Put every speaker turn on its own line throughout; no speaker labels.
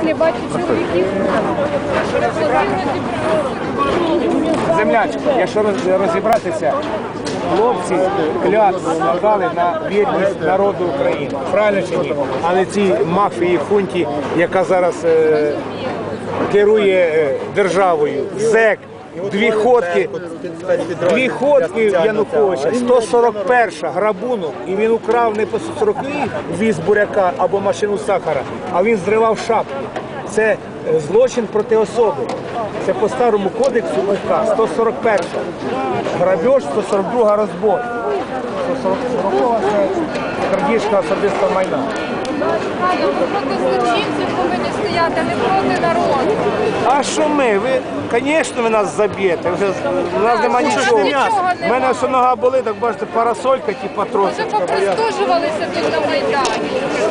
не бачу чоловіків.
Землячка, якщо розібратися, хлопці клятву надали на вірність народу України. Правильно чи ні? Але цій мафії, хунті, яка зараз керує державою, ЗЕК, дві ходки Януковича, 141 грабунок, і він украв не по 40 віз буряка або машину сахара, а він зривав шапки. Це злочин проти особи. Це по старому кодексу УК, 141 грабеж, 142 розбой. 140 це крадіжка особистого майна.
Проти злочинців повинні стояти, не проти народу.
А що ми? Ви, звісно, ви нас заб'єте. У нас нема нічого. У мене все нога болить, так бачите, парасолька, типа
Вже
тросочка.
попристужувалися тут на Майдані.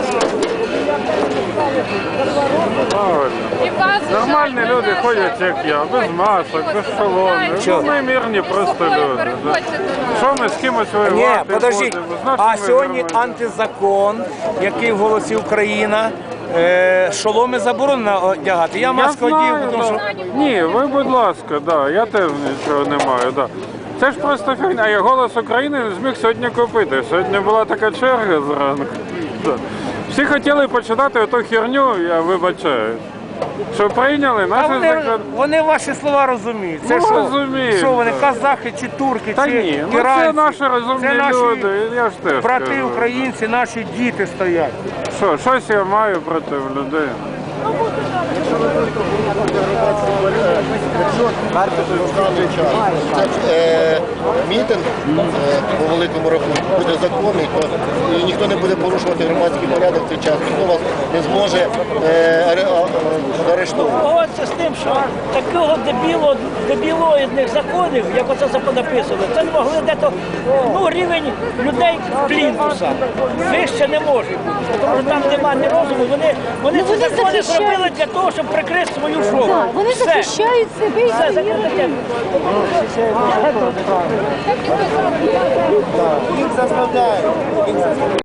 І вас
Нормальні
жаль,
люди
мене
ходять,
жаль.
як я, без масок, без шоломів.
Чого?
Ну, ми мирні просто
Спокійно
люди.
переходьте до нас.
Що ми з кимось
Ні,
воювати
подождіть.
будемо? З
А
нашими
сьогодні
нормальними.
антизакон, який вголосив Україна, шоломи заборонено одягати. Я
Я
маску одів,
знаю,
тому що...
да. Ні, ви, будь ласка, да, я теж нічого не маю. Да. Це ж просто фігня. А я «Голос України» не зміг сьогодні купити. Сьогодні була така черга зранку. Да. Всі хотіли почитати оту херню, я вибачаю. Що прийняли
А
наші закон.
вони ваші слова розуміють. Це
Ну,
що?
розуміють,
Що вони,
да.
казахи чи турки,
Та
чи
ні, ну
іранці?
це наші розумні
Це наші
люди, я ж теж
брати
кажу.
українці, наші діти стоять.
Що, щось я маю проти людей.
Мітинг по великому рахунку буде законний, то і ніхто не буде порушувати громадський порядок в цей час, ніхто вас не зможе арештувати.
Погодься з тим, що такого дебілоїдних законів, як оце написано, це не могли дето, рівень людей плінтуса. Вище не може бути, тому що там немає ні розуму. Вони ці закони зробили для того, щоб прикрити свою шоу.
Так, вони захищають себе і
Все,
свої
таке.
Так і ви зробили.
Їх заставляють.